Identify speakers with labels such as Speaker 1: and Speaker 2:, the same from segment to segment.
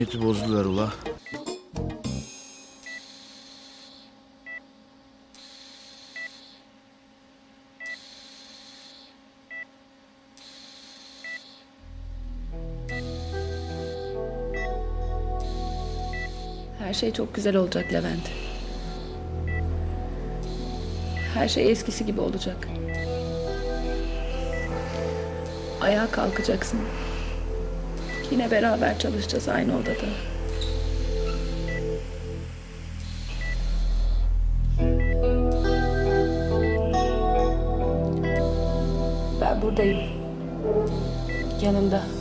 Speaker 1: Niyeti bozdular ula.
Speaker 2: Her şey çok güzel olacak Levent. Her şey eskisi gibi olacak. Ayağa kalkacaksın. Yine beraber çalışacağız aynı odada. Ben buradayım. Yanında.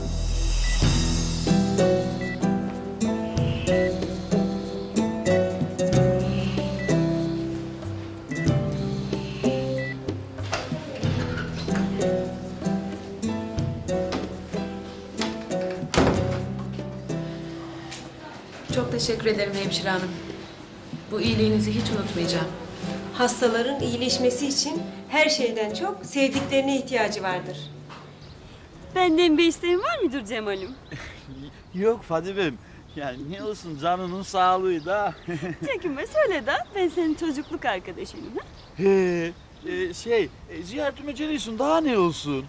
Speaker 3: Çok teşekkür ederim hemşire hanım. Bu iyiliğinizi hiç unutmayacağım.
Speaker 4: Hastaların iyileşmesi için her şeyden çok sevdiklerine ihtiyacı vardır.
Speaker 5: Benden bir isteğin var mıdır Cemal'im?
Speaker 1: Yok Fadimem. Yani ne olsun canının sağlığı da.
Speaker 5: Çekinme söyle de ben senin çocukluk arkadaşınım. Ha?
Speaker 1: Ziyaretime geliyorsun daha ne olsun?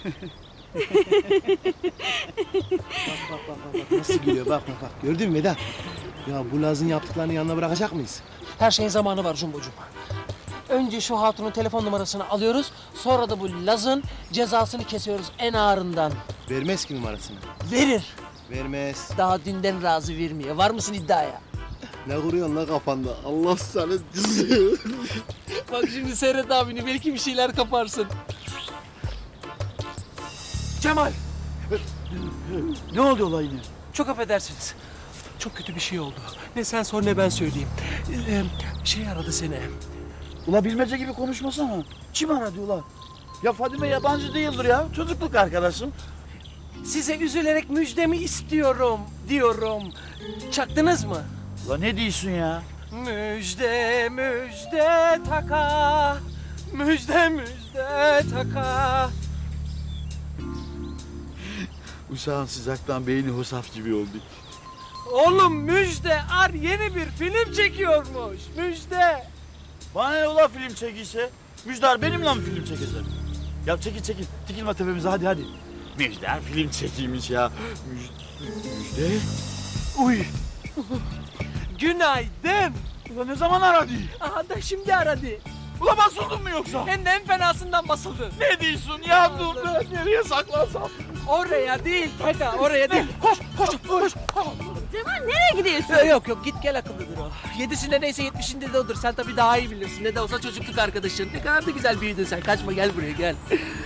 Speaker 6: Bak nasıl gülüyor bak. Gördün mü Vedat? Ya bu Laz'ın yaptıklarını yanına bırakacak mıyız?
Speaker 7: Her şeyin zamanı var Cumbocuğum. Önce şu hatunun telefon numarasını alıyoruz. Sonra da bu Laz'ın cezasını kesiyoruz en ağırından.
Speaker 6: Vermez ki numarasını.
Speaker 7: Verir.
Speaker 6: Vermez.
Speaker 7: Daha dünden razı vermiyor. Var mısın iddiaya?
Speaker 6: Ne kuruyorsun la kafanda? Allah sana
Speaker 7: Bak şimdi seyret abini. Belki bir şeyler kaparsın. Cemal.
Speaker 1: Ne oldu olay yine?
Speaker 7: Çok affedersiniz. Çok kötü bir şey oldu. Ne sen sor ne ben söyleyeyim. Şey aradı seni.
Speaker 1: Ula bilmece gibi konuşmasana. Kim aradı ula? Ya Fadime yabancı değildir ya. Çocukluk arkadaşım.
Speaker 7: Size üzülerek müjdemi istiyorum diyorum. Çaktınız mı?
Speaker 1: Ula ne diyorsun ya?
Speaker 7: Müjde müjde taka. Müjde müjde taka.
Speaker 1: Uşağın sıcaktan beyni hosaf gibi oldu.
Speaker 7: Oğlum Müjde Ar yeni bir film çekiyormuş. Müjde.
Speaker 1: Bana ne ula film çekiyse? Müjdar benimle mi film çekecek? Ya çekil. Dikilme tepemize hadi. Müjdar film çekiymiş ya. Müjde. Uy.
Speaker 7: Günaydın.
Speaker 1: Ula ne zaman aradı?
Speaker 7: Aha da şimdi aradı.
Speaker 1: Ula basıldın mı yoksa?
Speaker 7: Hem de en fenasından basıldı.
Speaker 1: Ne diyorsun ya? Dur nereye saklansam?
Speaker 7: Oraya değil Taka oraya değil. Koş.
Speaker 5: Cemal nereye gidiyorsun?
Speaker 7: Yok git gel akıllıdır o. Yedisinde neyse yetmişinde de odur. Sen tabii daha iyi bilirsin. Ne de olsa çocukluk arkadaşın. Ne kadar da güzel büyüdün sen. Kaçma gel buraya gel.